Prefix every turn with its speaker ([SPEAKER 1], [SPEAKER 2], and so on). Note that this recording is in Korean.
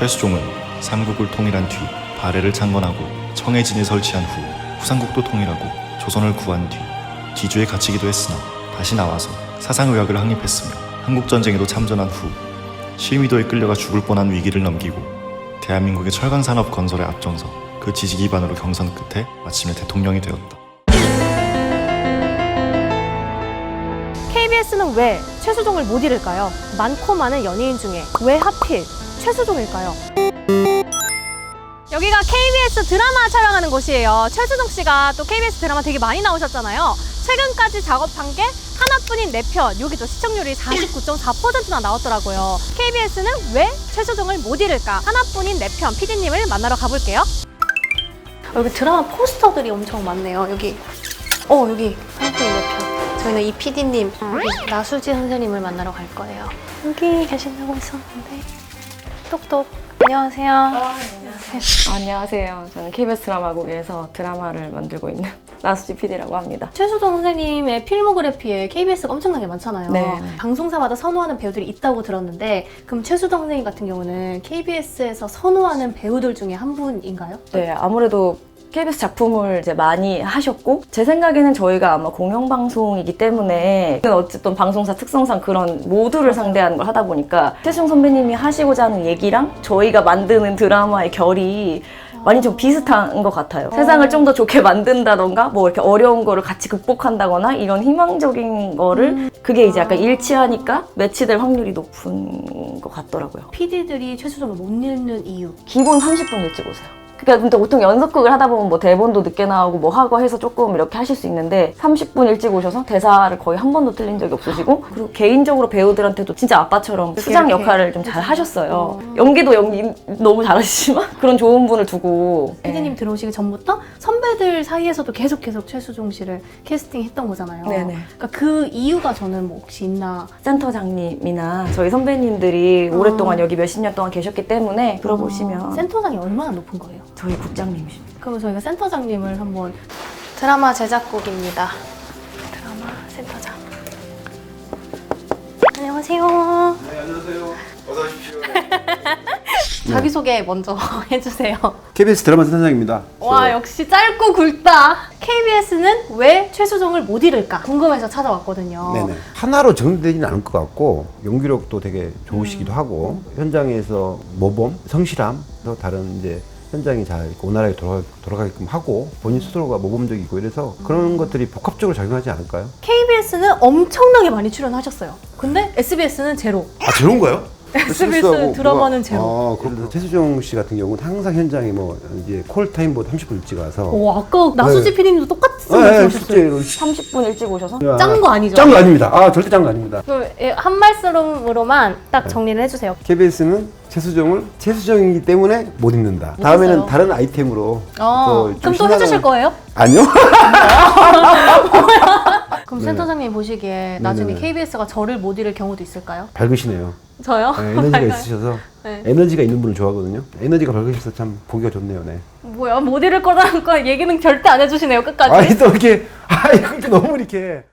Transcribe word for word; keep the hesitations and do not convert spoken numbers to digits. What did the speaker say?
[SPEAKER 1] 최수종은 삼국을 통일한 뒤 발해를 창건하고 청해진에 설치한 후 후삼국도 통일하고 조선을 구한 뒤 기주에 갇히기도 했으나 다시 나와서 사상의학을 확립했으며 한국전쟁에도 참전한 후 실미도에 끌려가 죽을 뻔한 위기를 넘기고 대한민국의 철강산업 건설에 앞장서 그 지지 기반으로 경선 끝에 마침내 대통령이 되었다.
[SPEAKER 2] 케이비에스는 왜 최수종을 못 잃을까요? 많고 많은 연예인 중에 왜 하필 최수종일까요? 여기가 케이비에스 드라마 촬영하는 곳이에요. 최수종 씨가 또 케이비에스 드라마 되게 많이 나오셨잖아요. 최근까지 작업한 게 하나뿐인 네 편, 여기도 시청률이 사십구 점 사 퍼센트나 나왔더라고요. 케이비에스는 왜 최수종을 못 잃을까? 하나뿐인 네 편 피디님을 만나러 가볼게요. 여기 드라마 포스터들이 엄청 많네요. 여기, 어 여기 하나뿐인 네 편. 저희는 이 피디님, 여기 나수지 선생님을 만나러 갈 거예요. 여기 계신다고 했었는데. 똑똑. 안녕하세요.
[SPEAKER 3] 아, 안녕하세요. 안녕하세요. 저는 케이비에스 드라마국에서 드라마를 만들고 있는 나수지 피디라고 합니다.
[SPEAKER 2] 최수종 선생님의 필모그래피에 케이비에스가 엄청나게 많잖아요.
[SPEAKER 3] 네.
[SPEAKER 2] 방송사마다 선호하는 배우들이 있다고 들었는데 그럼 최수종 선생님 같은 경우는 케이비에스에서 선호하는 배우들 중에 한 분인가요?
[SPEAKER 3] 네, 아무래도 케이비에스 작품을 이제 많이 하셨고 제 생각에는 저희가 아마 공영방송이기 때문에 어쨌든 방송사 특성상 그런 모두를 상대하는 걸 하다 보니까 최수종 선배님이 하시고자 하는 얘기랑 저희가 만드는 드라마의 결이 많이 좀 비슷한 것 같아요. 어. 세상을 좀 더 좋게 만든다던가 뭐 이렇게 어려운 거를 같이 극복한다거나 이런 희망적인 거를 음. 그게 이제 약간 일치하니까 매치될 확률이 높은 것 같더라고요.
[SPEAKER 2] 피디들이 최수종을 못 읽는 이유?
[SPEAKER 3] 기본 삼십 분 일찍 오세요. 그러니까 보통 연속극을 하다 보면 뭐 대본도 늦게 나오고 뭐 하고 해서 조금 이렇게 하실 수 있는데 삼십 분 일찍 오셔서 대사를 거의 한 번도 틀린 적이 없으시고 그리고 개인적으로 배우들한테도 진짜 아빠처럼 수장 역할을 좀 잘 하셨어요. 어. 연기도 연기 너무 잘하시지만 그런 좋은 분을 두고
[SPEAKER 2] 피디님 네. 들어오시기 전부터 선배들 사이에서도 계속 계속 최수종 씨를 캐스팅했던 거잖아요. 네네. 그러니까 그 이유가 저는 뭐 혹시 있나?
[SPEAKER 3] 센터장님이나 저희 선배님들이 어. 오랫동안 여기 몇십 년 동안 계셨기 때문에 들어보시면
[SPEAKER 2] 어. 센터장이 얼마나 높은 거예요?
[SPEAKER 3] 저희 국장님이십니다.
[SPEAKER 2] 그럼 저희가 센터장님을 한번 드라마 제작국입니다. 드라마 센터장. 안녕하세요.
[SPEAKER 4] 네, 안녕하세요. 어서 오십시오.
[SPEAKER 2] 자기소개 먼저 해주세요.
[SPEAKER 4] 케이비에스 드라마 센터장입니다.
[SPEAKER 2] 와, 역시 짧고 굵다. 케이비에스는 왜 최수종을 못 잃을까 궁금해서 찾아왔거든요.
[SPEAKER 4] 네네. 하나로 정리되지는 않을 것 같고 연기력도 되게 좋으시기도
[SPEAKER 2] 음.
[SPEAKER 4] 하고 현장에서 모범, 성실함, 또 다른 이제 현장이 잘 원활하게 돌아가, 돌아가게끔 하고 본인 스스로가 모범적이고 이래서 그런 것들이 복합적으로 작용하지 않을까요?
[SPEAKER 2] 케이비에스는 엄청나게 많이 출연하셨어요. 근데 에스비에스는 제로.
[SPEAKER 4] 아, 제로인가요?
[SPEAKER 2] 에스비에스 드라마는
[SPEAKER 4] 뭐가,
[SPEAKER 2] 제로.
[SPEAKER 4] 아, 그래서 최수종 씨 같은 경우는 항상 현장에 뭐 이제 콜타임보다 삼십 분 일찍 와서
[SPEAKER 2] 오, 아까 나수지
[SPEAKER 4] 네.
[SPEAKER 2] 피디님도 똑같은
[SPEAKER 4] 네,
[SPEAKER 2] 말씀하셨어요.
[SPEAKER 4] 실제로
[SPEAKER 3] 삼십 분 일찍 오셔서
[SPEAKER 2] 짠 거 아니죠?
[SPEAKER 4] 짠 거 아닙니다. 아, 절대 짠 거 아닙니다.
[SPEAKER 2] 그럼 한 말씀으로만 딱 정리를 해주세요.
[SPEAKER 4] 케이비에스는 최수종을 최수종이기 때문에 못 입는다. 다음에는
[SPEAKER 2] 있어요.
[SPEAKER 4] 다른 아이템으로
[SPEAKER 2] 어,
[SPEAKER 4] 또
[SPEAKER 2] 그럼 또
[SPEAKER 4] 신나는-
[SPEAKER 2] 해주실 거예요?
[SPEAKER 4] 아니요.
[SPEAKER 2] 그럼
[SPEAKER 4] 네.
[SPEAKER 2] 센터장님 보시기에 나중에
[SPEAKER 4] 네네네.
[SPEAKER 2] 케이비에스가 저를 못 잃을 경우도 있을까요?
[SPEAKER 4] 밝으시네요.
[SPEAKER 2] 저요?
[SPEAKER 4] 네, 에너지가 있으셔서
[SPEAKER 2] 네.
[SPEAKER 4] 에너지가 있는 분을 좋아하거든요. 에너지가 밝으셔서 참 보기가 좋네요. 네.
[SPEAKER 2] 뭐야, 못 잃을 거라는 거 얘기는 절대 안 해주시네요, 끝까지.
[SPEAKER 4] 아니 또 이렇게 아 이렇게 너무 이렇게